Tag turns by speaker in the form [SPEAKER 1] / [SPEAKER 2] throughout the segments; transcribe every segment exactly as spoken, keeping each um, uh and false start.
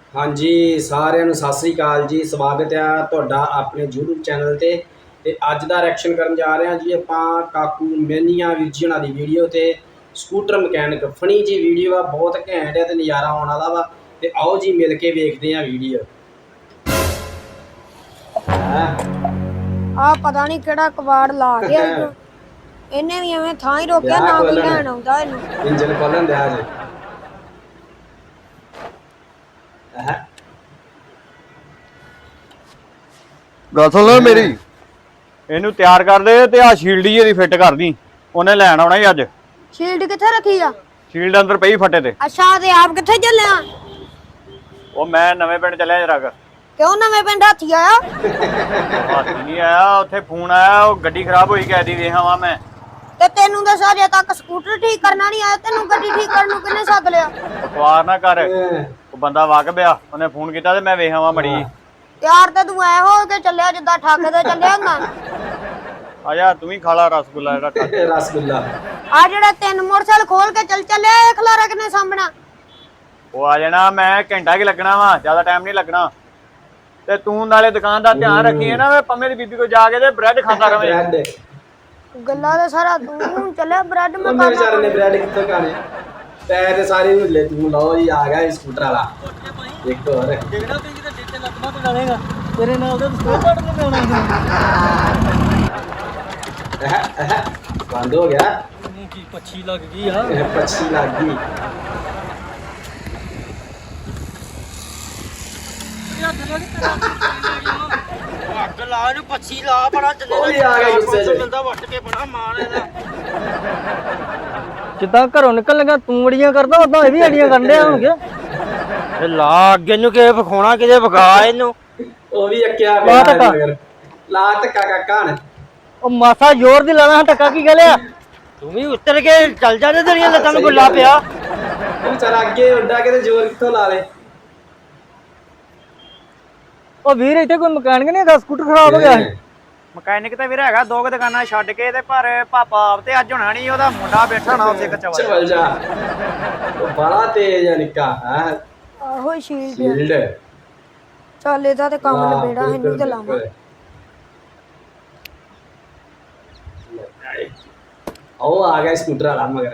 [SPEAKER 1] हाँ जी साਰਿਆਂ ਨੂੰ ਸਤਿ ਸ੍ਰੀ ਅਕਾਲ ਜੀ। ਸਵਾਗਤ ਹੈ ਤੁਹਾਡਾ ਆਪਣੇ YouTube ਚੈਨਲ ਤੇ ਤੇ ਅੱਜ ਦਾ ਰਿਐਕਸ਼ਨ ਕਰਨ ਜਾ ਰਹੇ ਹਾਂ ਜੀ ਆਪਾਂ ਕਾਕੂ ਮੈਨੀਆਂ ਵੀਰ ਜੀ ਉਹਨਾਂ ਦੀ ਵੀਡੀਓ ਤੇ ਸਕੂਟਰ ਮਕੈਨਿਕ ਫਨੀ ਜੀ ਵੀਡੀਓ ਆ, ਬਹੁਤ ਘੈਂਟ ਹੈ ਤੇ ਨਜ਼ਾਰਾ ਆਉਣ ਵਾਲਾ ਵਾ। ਤੇ ਆਓ ਜੀ ਮਿਲ ਕੇ ਵੇਖਦੇ ਹਾਂ ਵੀਡੀਓ।
[SPEAKER 2] ਆ ਪਤਾ ਨਹੀਂ ਕਿਹੜਾ ਕਵਾੜ ਲਾ ਗਿਆ ਇਹਨੇ ਵੀ ਐਵੇਂ ਥਾਂ ਹੀ ਰੋਕਿਆ ਨਾ ਕੋਈ ਲੈਣ ਆਉਂਦਾ ਇਹਨੂੰ।
[SPEAKER 1] ਇੰਜਨ ਖੋਲਣ ਦਿਆ ਜੀ।
[SPEAKER 3] ਗੱਲ ਸੁਣ ਲਓ ਮੇਰੀ, ਇਹਨੂੰ ਤਿਆਰ ਕਰ ਦੇ ਤੇ ਆ ਸ਼ੀਲਡ ਹੀ ਇਹਦੀ ਫਿੱਟ ਕਰ ਦੀ। ਉਹਨੇ ਲੈਣ ਆਉਣਾ ਹੀ ਅੱਜ।
[SPEAKER 2] ਸ਼ੀਲਡ ਕਿੱਥੇ ਰੱਖੀ ਆ?
[SPEAKER 3] ਸ਼ੀਲਡ ਅੰਦਰ ਪਈ ਫੱਟੇ ਤੇ।
[SPEAKER 2] ਅੱਛਾ ਤੇ ਆਪ ਕਿੱਥੇ ਚੱਲਿਆ?
[SPEAKER 3] ਉਹ ਮੈਂ ਨਵੇਂ ਪਿੰਡ ਚੱਲਿਆ ਜਰਾ ਕੁ।
[SPEAKER 2] ਕਿਉਂ ਨਵੇਂ ਪਿੰਡ ਹਾਥੀ ਆਇਆ?
[SPEAKER 3] ਹਾਥੀ ਨਹੀਂ ਆਇਆ, ਉੱਥੇ ਫੋਨ ਆਇਆ, ਉਹ ਗੱਡੀ ਖਰਾਬ ਹੋਈ ਕਹਿ ਦੀ ਵੇਖਾਂ ਵਾ ਮੈਂ।
[SPEAKER 2] ਤੇ ਤੈਨੂੰ ਤਾਂ ਸਾਜੇ ਤੱਕ ਸਕੂਟਰ ਠੀਕ ਕਰਨਾ ਨਹੀਂ ਆਇਆ, ਤੈਨੂੰ ਗੱਡੀ ਠੀਕ ਕਰਨ ਨੂੰ ਕਿਹਨੇ ਸੱਦ ਲਿਆ?
[SPEAKER 3] ਬਕਵਾਸ ਨਾ ਕਰ, ਉਹ ਬੰਦਾ ਵਾਕਬ ਆ, ਉਹਨੇ ਫੋਨ ਕੀਤਾ ਤੇ ਮੈਂ ਵੇਖਾਂ ਵਾ ਮੜੀ।
[SPEAKER 2] ਯਾਰ ਤੇ ਤੂੰ ਐ ਹੋ ਕੇ ਚੱਲਿਆ ਜਿੱਦਾਂ ਠੱਗ ਤੇ ਚੱਲਿਆ ਹੁੰਦਾ।
[SPEAKER 3] ਆ ਜਾ ਤੂੰ ਵੀ ਖਾ ਲਾ ਰਸਗੁੱਲਾ ਜਿਹੜਾ ਠੱਗ।
[SPEAKER 1] ਰਸਗੁੱਲਾ
[SPEAKER 2] ਆ ਜਿਹੜਾ ਤਿੰਨ ਮੋਟਰਸਾਈਕਲ ਖੋਲ ਕੇ ਚੱਲ ਚੱਲਿਆ, ਇਹ ਖਲਾਰਾ ਕਿਨੇ ਸਾਹਮਣਾ?
[SPEAKER 3] ਉਹ ਆ ਜਾਣਾ, ਮੈਂ ਘੰਟਾ ਕੀ ਲੱਗਣਾ ਵਾ, ਜ਼ਿਆਦਾ ਟਾਈਮ ਨਹੀਂ ਲੱਗਣਾ। ਤੇ ਤੂੰ ਨਾਲੇ ਦੁਕਾਨ ਦਾ ਧਿਆਨ ਰੱਖੀਏ ਨਾ, ਮੈਂ ਪੰਮੇ ਦੀ ਬੀਬੀ ਕੋਲ ਜਾ ਕੇ ਤੇ ਬ੍ਰੈਡ ਖਾਂਦਾ ਰਵੇਂ।
[SPEAKER 1] ਬ੍ਰੈਡ
[SPEAKER 2] ਗੱਲਾਂ ਦਾ ਸਾਰਾ ਤੂੰ ਚੱਲਿਆ, ਬ੍ਰੈਡ ਮੈਂ
[SPEAKER 1] ਮੇਰੇ ਵਿਚਾਰੇ ਨੇ ਬ੍ਰੈਡ ਕਿੱਥੋਂ ਖਾਣੇ? ਪੈਰ ਤੇ ਸਾਰੇ ਹੁੱਲੇ ਤੂੰ। ਲਓ ਜੀ ਆ ਗਿਆ ਸਕੂਟਰ ਵਾਲਾ ਇੱਕ ਹੋਰ।
[SPEAKER 4] ਦੇਖਣਾ ਤੇ ਜਿਹਦਾ ਡੇਟੇ ਲੱਗਣਾ ਤੇ ਡਾਲੇਗਾ ਤੇਰੇ ਨਾਲ ਉਹਦਾ ਸਕੂਟਰ ਪਾੜ ਕੇ ਆਉਣਾ।
[SPEAKER 1] ਬੰਦ ਹੋ ਗਿਆ।
[SPEAKER 4] ਇਹਨੂੰ ਕੀ ਪੱਛੀ ਲੱਗ ਗਈ ਆ?
[SPEAKER 1] ਪੱਛੀ ਲੱਗ ਗਈ।
[SPEAKER 4] ਅੱਗ ਲਾ ਇਹਨੂੰ, ਪੱਛੀ ਲਾ, ਬੜਾ ਚੱਲੇ
[SPEAKER 1] ਉਹ ਵੀ ਆ ਗਿਆ ਗੁੱਸੇ 'ਚ।
[SPEAKER 4] ਮਿਲਦਾ ਵੱਟ ਕੇ ਬੜਾ ਮਾਰ ਇਹਦਾ।
[SPEAKER 5] ਜਿੱਦਾਂ ਘਰੋਂ ਨਿਕਲ ਲਗਾ ਤੂੰ ਅੜੀਆਂ ਕਰਦਾ, ਉਦਾਂ ਇਹ ਵੀ ਅੜੀਆਂ ਕਰਨ ਡਿਆ ਹੋਣਗੇ।
[SPEAKER 4] ਇਹ ਲਾ ਅੱਗੇ ਨੂੰ ਕਿਤੇ ਵਿਖਾਉਣਾ, ਕਿਤੇ ਵਿਖਾ ਇਹਨੂੰ।
[SPEAKER 1] ਉਹ ਵੀ ਅੱਕਿਆ
[SPEAKER 5] ਲਾ
[SPEAKER 1] ਪਿਆ
[SPEAKER 5] ਧੱਕਾ।
[SPEAKER 1] ਮਗਰ। ਲਾ ਧੱਕਾ ਕਾਕਾ ਨੇ।
[SPEAKER 5] ਉਹ ਮਾਸਾ ਜ਼ੋਰ ਦੀ ਲਾਣਾ ਟੱਕਾ ਕੀ ਗੱਲ ਆ?
[SPEAKER 4] ਤੂੰ ਵੀ ਉੱਤਰ ਕੇ ਚੱਲ ਜਾ ਤੇ ਤੇਰੀਆਂ ਲੱਤਾਂ ਨੂੰ ਗੁੱਲਾ ਪਿਆ।
[SPEAKER 1] ਉਹ ਵਿਚਾਰਾ ਅੱਗੇ ਉੱਡਾ ਕੇ ਤੇ ਜ਼ੋਰ ਕਿੱਥੋਂ ਲਾ ਲੇ।
[SPEAKER 5] ਉਹ ਵੀਰ ਇੱਥੇ ਕੋਈ ਮਕੈਨਿਕ ਨਹੀਂ ਹੈਗਾ, ਸਕੂਟਰ ਖਰਾਬ ਹੋ ਗਿਆ ਹੈ।
[SPEAKER 3] ਮਕੈਨਿਕ ਤੇ ਵੀਰ ਹੈਗਾ, ਦੋ ਕੁ ਦੁਕਾਨਾਂ ਛੱਡ ਕੇ ਤੇ ਪਰ ਪਾਪਾ ਆਪ ਤੇ ਅੱਜ ਹੋਣਾ ਨਹੀਂ, ਉਹਦਾ ਮੁੰਡਾ ਬੈਠਾ ਨਾ ਉੱਥੇ ਕਚਵਾ।
[SPEAKER 1] ਚਵਲ ਜਾ। ਉਹ ਬੜਾ ਤੇਜ਼ ਆ ਨਿੱਕਾ ਹੈ।
[SPEAKER 2] ਆਹੋ ਸ਼ੀਲਡ
[SPEAKER 1] ਸ਼ੀਲਡ
[SPEAKER 2] ਚੱਲ ਇਹਦਾ ਤੇ ਕੰਮ ਲਬੇੜਾ, ਇਹਨੂੰ ਤੇ ਲਾਵਾਂ।
[SPEAKER 1] ਉਹ ਆ ਗਿਆ ਸਕੂਟਰ ਵਾਲਾ ਮਗਰ।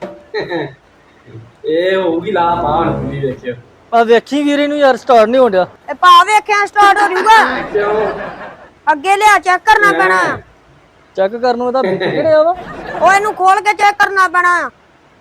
[SPEAKER 1] ਇਹ ਹੋਊਗੀ ਲਾ ਪਾ ਹੁਣ ਪੂਰੀ ਵੇਖਿਓ।
[SPEAKER 5] ਆ ਵੇਖੀ ਵੀਰ ਇਹਨੂੰ ਯਾਰ ਸਟਾਰਟ ਨਹੀਂ ਹੋਣ ਡਿਆ।
[SPEAKER 2] ਇਹ ਪਾ ਵੇਖਿਆ ਸਟਾਰਟ ਹੋ ਜੂਗਾ।
[SPEAKER 1] ਕਿਉਂ?
[SPEAKER 2] ਅੱਗੇ ਲਿਆ ਚੈੱਕ ਕਰਨਾ ਪੈਣਾ।
[SPEAKER 5] ਚੈੱਕ ਕਰਨ ਨੂੰ ਇਹਦਾ ਬਿੱਟ ਕਿਹੜਿਆ ਵਾ?
[SPEAKER 2] ਉਹ ਇਹਨੂੰ ਖੋਲ ਕੇ ਚੈੱਕ ਕਰਨਾ ਪੈਣਾ।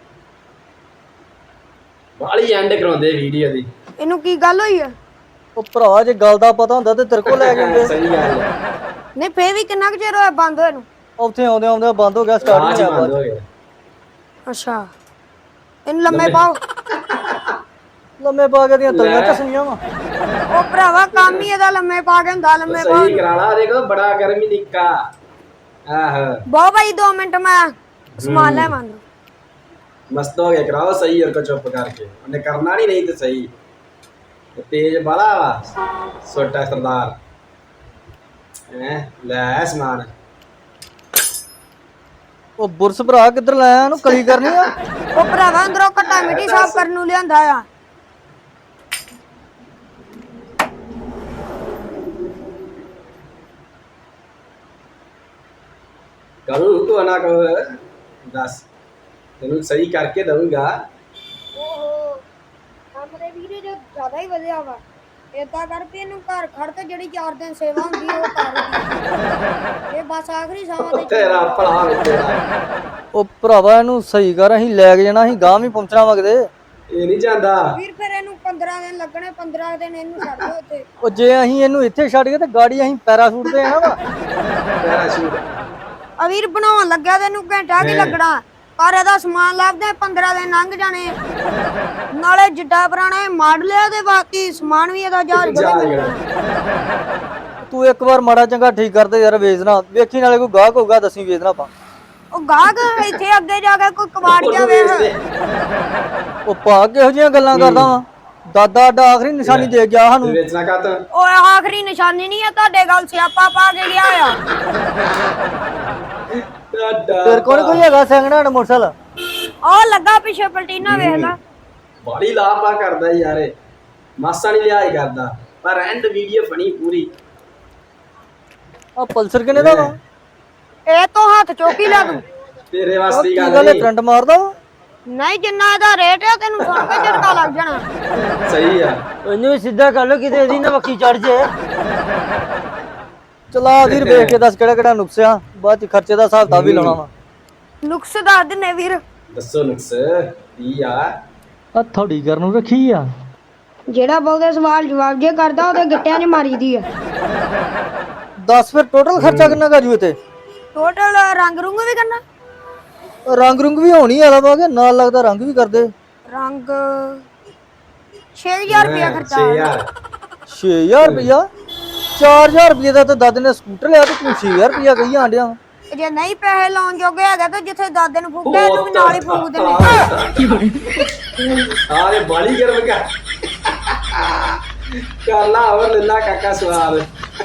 [SPEAKER 1] ਬਾਲੀ ਐਂਡ ਕਰਾਉਂਦੇ ਵੀਡੀਓ ਦੀ।
[SPEAKER 2] ਇਹਨੂੰ ਕੀ ਗੱਲ ਹੋਈ ਆ?
[SPEAKER 5] ਉਹ ਭਰਾ ਜੇ ਗੱਲ ਦਾ ਪਤਾ ਹੁੰਦਾ ਤੇ ਤੇਰੇ ਕੋਲ ਲੈ ਜਾਂਦੇ।
[SPEAKER 1] ਸਹੀ ਗੱਲ ਹੈ।
[SPEAKER 2] ਨਹੀਂ ਫੇਰ ਵੀ ਕਿੰਨਾ ਕੁ ਚਿਰ ਹੋਇਆ ਬੰਦ ਹੋਏ ਨੂੰ?
[SPEAKER 5] ਉੱਥੇ ਆਉਂਦੇ ਆਉਂਦੇ ਬੰਦ ਹੋ ਗਿਆ, ਸਟਾਰਟ ਨਹੀਂ
[SPEAKER 1] ਬੰਦ ਹੋ
[SPEAKER 5] ਹੋਇਆ।
[SPEAKER 1] ਗਿਆ।
[SPEAKER 2] ਅੱਛਾ ਇਹਨੂੰ ਲੰਮੇ ਪਾਓ।
[SPEAKER 5] ਲੰਮੇ ਪਾ ਕੇ ਦੀਆਂ ਤਲੀਆਂ ਚਸਣੀਆਂ ਵਾ।
[SPEAKER 2] ਉਹ ਭਰਾਵਾ ਕੰਮ ਹੀ ਇਹਦਾ ਲੰਮੇ ਪਾ ਕੇ ਹੁੰਦਾ। ਲੰਮੇ ਪਾਓ
[SPEAKER 1] ਸਹੀ ਕਰਾ ਲਾ, ਦੇਖੋ ਬੜਾ ਗਰਮੀ ਨਿੱਕਾ। ਆਹ
[SPEAKER 2] ਬਹੁ ਭਾਈ ਦੋ ਮਿੰਟ ਮੈਂ ਸਮਾਨ ਲੈ ਮੰਨ।
[SPEAKER 1] ਮਸਤ ਹੋ ਗਿਆ, ਕਰਾਓ ਸਹੀ। और को चुप करके ਉਹਨੇ ਕਰਨਾ ਨਹੀਂ, ਨਹੀਂ ਤੇ ਸਹੀ। ਤੇਜ ਬਾਲਾ ਵਾ ਛੋਟਾ ਸਰਦਾਰ ਹੈ। ਲੈ ਸਮਾਨ।
[SPEAKER 5] ਉਹ ਬੁਰਸ ਭਰਾ ਕਿੱਧਰ ਲਾਇਆ, ਉਹਨੂੰ ਕਲੀ ਕਰਨੀ ਆ।
[SPEAKER 2] ਉਹ ਭਰਾਵਾ ਅੰਦਰੋਂ ਘੱਟਾ ਮਿੱਟੀ ਸਾਫ਼ ਕਰਨ ਨੂੰ ਲਿਆਂਦਾ ਆ।
[SPEAKER 1] ਕਰੂ ਤੂੰ ਨਾ ਕਹੋ ਦੱਸ, ਤੈਨੂੰ ਸਹੀ ਕਰਕੇ ਦਊਂਗਾ।
[SPEAKER 2] ਓਹੋ ਕੰਮ ਦੇ ਵੀਰੇ ਜੋ ਜ਼ਿਆਦਾ ਹੀ ਵਧਿਆ ਵਾ। ਏਦਾਂ ਕਰਕੇ ਇਹਨੂੰ ਘਰ ਖੜ ਕੇ ਜਿਹੜੀ ਚਾਰ ਦਿਨ ਸੇਵਾ ਹੁੰਦੀ ਉਹ ਕਰ। ਇਹ ਬਸ ਆਖਰੀ ਸਮਾਂ ਤੇ
[SPEAKER 1] ਤੇਰਾ ਭਲਾ ਵੇ ਤੇਰਾ।
[SPEAKER 5] ਉਹ ਭਰਾਵਾ ਇਹਨੂੰ ਸਹੀ ਕਰ, ਅਸੀਂ ਲੈ ਕੇ ਜਾਣਾ, ਅਸੀਂ ਗਾਂ ਵੀ ਪਹੁੰਚਣਾ ਵਗਦੇ।
[SPEAKER 1] ਇਹ ਨਹੀਂ ਜਾਂਦਾ
[SPEAKER 2] ਵੀਰ ਫਿਰ ਇਹਨੂੰ ਪੰਦਰਾਂ ਦਿਨ ਲੱਗਣੇ। ਪੰਦਰਾਂ ਦਿਨ ਇਹਨੂੰ ਛੱਡ ਦਿਓ ਉੱਥੇ।
[SPEAKER 5] ਉਹ ਜੇ ਅਸੀਂ ਇਹਨੂੰ ਇੱਥੇ ਛੱਡ ਗਏ ਤੇ ਗਾੜੀ ਅਸੀਂ ਪੈਰਾਸ਼ੂਟ ਤੇ ਆਣਾ ਵਾ।
[SPEAKER 1] ਪੈਰਾਸ਼ੂਟ
[SPEAKER 2] ਆ ਵੀਰ ਬਣਾਉਣ ਲੱਗਿਆ ਤੈਨੂੰ ਘੰਟਾ ਕੀ ਲੱਗਣਾ, ਪਰ ਇਹਦਾ ਸਮਾਨ ਲੱਭਦੇ ਪੰਦਰਾਂ ਦਿਨ ਲੰਘ ਜਾਣੇ। ਨਾਲੇ ਜਿੱਡਾ ਪੁਰਾਣਾ ਇਹ ਮਾਡਲ ਆ ਤੇ ਬਾਕੀ ਸਮਾਨ ਵੀ ਇਹਦਾ ਜਹਾਜ਼
[SPEAKER 1] ਜਾ
[SPEAKER 2] ਬਣੇ।
[SPEAKER 1] ਜਿਹੜਾ
[SPEAKER 5] ਤੂੰ ਇੱਕ ਵਾਰ ਮਾੜਾ ਚੰਗਾ ਠੀਕ ਕਰਦੇ ਯਾਰ, ਵੇਚਣਾ ਵੇਖੀ, ਨਾਲੇ ਕੋਈ ਗਾਹਕ ਹੋਊਗਾ ਦਸੀਂ ਵੇਚਣਾ ਆਪਾਂ।
[SPEAKER 2] ਉਹ ਗਾਹਕ ਇੱਥੇ ਅੱਗੇ ਜਾ ਕੇ ਕੋਈ ਕਬਾੜ ਜਾ ਵੇਖ।
[SPEAKER 5] ਉਹ ਪਾ ਕਿਹੋ ਜਿਹੀਆਂ ਗੱਲਾਂ ਕਰਦਾ ਵਾ? ਦਾਦਾ ਅੱਡਾ ਆਖਰੀ ਨਿਸ਼ਾਨੀ ਦੇ ਗਿਆ ਸਾਨੂੰ।
[SPEAKER 1] ਵੇਚਣਾ ਕਾ ਤਾ
[SPEAKER 2] ਓਏ ਆਖਰੀ ਨਿਸ਼ਾਨੀ ਨਹੀਂ ਹੈ ਤੁਹਾਡੇ ਗੱਲ, ਸਿਆਪਾ ਪਾ ਕੇ ਗਿਆ ਆ।
[SPEAKER 5] ਤੇਰੇ ਕੋਲ ਕੋਈ ਹੈਗਾ ਸੈਕਿੰਡ ਹੈਂਡ ਮੋਟਰਸਾਈਕਲ?
[SPEAKER 2] ਉਹ ਲੱਗਾ ਪਿੱਛੇ ਪਲਟੀਨਾ ਵੇਖ ਲੈ।
[SPEAKER 1] ਬਾਲੀ ਲਾਪਾ ਕਰਦਾ ਯਾਰ ਇਹ। ਮਾਸਾ ਨਹੀਂ ਲਿਹਾਜ਼ ਕਰਦਾ, ਪਰ ਐਂਡ ਵੀਡੀਓ ਬਣੀ ਪੂਰੀ।
[SPEAKER 5] ਆ ਪਲਸਰ ਕਿਨੇ ਦਾ ਵਾ?
[SPEAKER 2] ਇਹ ਤੋਂ ਹੱਥ ਚੁੱਕ ਹੀ ਲੈ ਤੂੰ।
[SPEAKER 1] ਤੇਰੇ
[SPEAKER 5] ਆਹ
[SPEAKER 1] ਵਾਸਤੇ
[SPEAKER 5] ਕੀ
[SPEAKER 1] ਗੱਲ
[SPEAKER 5] ਗੱਲ ਹੈ,
[SPEAKER 1] ਨਹੀਂ।
[SPEAKER 5] ਕਰੰਟ ਮਾਰਦਾ ਵਾ?
[SPEAKER 2] ਨਹੀਂ ਜਿੰਨਾ ਇਹਦਾ ਰੇਟ ਹੈ ਤੈਨੂੰ ਸੁਣ ਕੇ ਝਟਕਾ ਲੱਗ ਜਾਣਾ।
[SPEAKER 1] ਸਹੀ ਆ।
[SPEAKER 4] ਉਹਨੂੰ ਵੀ ਸਿੱਧਾ ਕਰ ਲੋ ਕਿਤੇ ਇਹਦੀ ਨਾ ਵੱਖੀ ਚੜ ਜੇ।
[SPEAKER 5] ਚਲਾ ਵੀਰ ਵੇਖ ਕੇ ਦੱਸ ਕਿਹੜਾ ਕਿਹੜਾ ਨੁਕਸ ਆ, ਬਾਅਦ ਚ ਖਰਚੇ ਦਾ ਹਿਸਾਬ ਤਾਂ ਵੀ ਲਾਉਣਾ ਵਾ।
[SPEAKER 2] ਨੁਕਸ ਦੱਸ ਦਿੰਨੇ ਵੀਰ।
[SPEAKER 1] ਦੱਸੋ ਨੁਕਸ ਕੀ ਆ?
[SPEAKER 4] ਆ ਥੋੜੀ ਕਰਨ ਨੂੰ ਰੱਖੀ ਆ।
[SPEAKER 2] ਜਿਹੜਾ ਬਹੁਤੇ ਸਵਾਲ ਜਵਾਬ ਜੇ ਕਰਦਾ ਉਹਦੇ ਗਿੱਟਿਆਂ 'ਚ ਮਾਰੀਦੀ ਆ।
[SPEAKER 5] ਦੱਸ ਫਿਰ ਟੋਟਲ ਖਰਚਾ ਕਿੰਨਾ ਕਰ ਜੂ ਇੱਥੇ?
[SPEAKER 2] ਟੋਟਲ ਰੰਗ ਰੁੰਗ ਵੀ ਕਰਨਾ?
[SPEAKER 5] ਰੰਗ ਰੁੰਗ ਵੀ ਹੋਣੀ ਵਾਲਾ ਵਾ ਕਿ ਨਾਲ ਲੱਗਦਾ ਰੰਗ ਵੀ ਕਰਦੇ?
[SPEAKER 2] ਰੰਗ ਛੇ ਹਜ਼ਾਰ ਰੁਪਇਆ ਖਰਚਾ
[SPEAKER 1] ਛੇ
[SPEAKER 2] ਆਇਆ।
[SPEAKER 1] ਹਜ਼ਾਰ
[SPEAKER 5] ਛੇ ਹਜ਼ਾਰ ਰੁਪਇਆ? ਚਾਰ ਹਜ਼ਾਰ ਰੁਪਏ ਦਾ ਤਾਂ ਦਾਦੇ ਨੇ ਸਕੂਟਰ ਲਿਆ ਤੇ ਤੂੰ ਛੇ ਹਜ਼ਾਰ ਰੁਪਇਆ ਕਹੀ ਆਂਡਿਆ ਵਾ।
[SPEAKER 2] ਜੇ ਨਹੀਂ ਪੈਸੇ ਲਾਉਣ ਜੋਗੇ ਹੈਗਾ ਤਾਂ ਜਿੱਥੇ ਦਾਦੇ ਨੂੰ ਫੂਕਿਆ ਇਹਨੂੰ ਵੀ ਨਾਲ ਹੀ ਫੂਕ ਦੇਣੇ।
[SPEAKER 1] ਆਰੇ ਬਾਲੀ ਗਰਮ ਕਰ ਕਰ ਲਾ ਹੋਰ ਲੱਲਾ ਕਾਕਾ ਸਵਾਦ।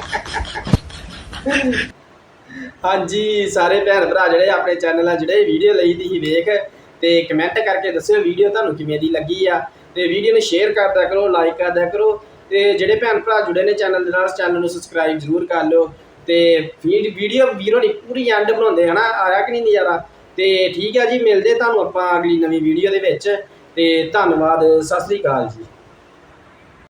[SPEAKER 1] ਹਾਂਜੀ ਸਾਰੇ ਭੈਣ ਭਰਾ ਜਿਹੜੇ ਆਪਣੇ ਚੈਨਲ ਆ ਜਿਹੜੇ ਵੀਡੀਓ ਲਈ ਦੀ ਵੇਖ ਤੇ ਕਮੈਂਟ ਕਰਕੇ ਦੱਸਿਓ ਵੀਡੀਓ ਤੁਹਾਨੂੰ ਕਿਵੇਂ ਦੀ ਲੱਗੀ ਆ, ਤੇ ਵੀਡੀਓ ਨੂੰ ਸ਼ੇਅਰ ਕਰਦਿਆ ਕਰੋ, ਲਾਈਕ ਕਰਦਿਆ ਕਰੋ, ਤੇ ਜਿਹੜੇ ਭੈਣ ਭਰਾ ਜੁੜੇ ਨੇ ਚੈਨਲ ਦੇ ਨਾਲ ਚੈਨਲ ਨੂੰ ਸਬਸਕ੍ਰਾਈਬ ਜ਼ਰੂਰ ਕਰ ਲਿਓ। ਤੇ ਵੀਡੀਓ ਵੀਰੋ ਨਹੀਂ ਪੂਰੀ ਐਂਡ ਬਣਾਉਂਦੇ ਹਨਾ, ਆਇਆ ਕਿ ਨਹੀਂ ਨਜ਼ਾਰਾ। ਤੇ ਠੀਕ ਹੈ ਜੀ, ਮਿਲਦੇ ਤੁਹਾਨੂੰ ਆਪਾਂ ਅਗਲੀ ਨਵੀਂ ਵੀਡੀਓ ਦੇ ਵਿੱਚ, ਤੇ ਧੰਨਵਾਦ, ਸਤਿ ਸ੍ਰੀ ਅਕਾਲ ਜੀ।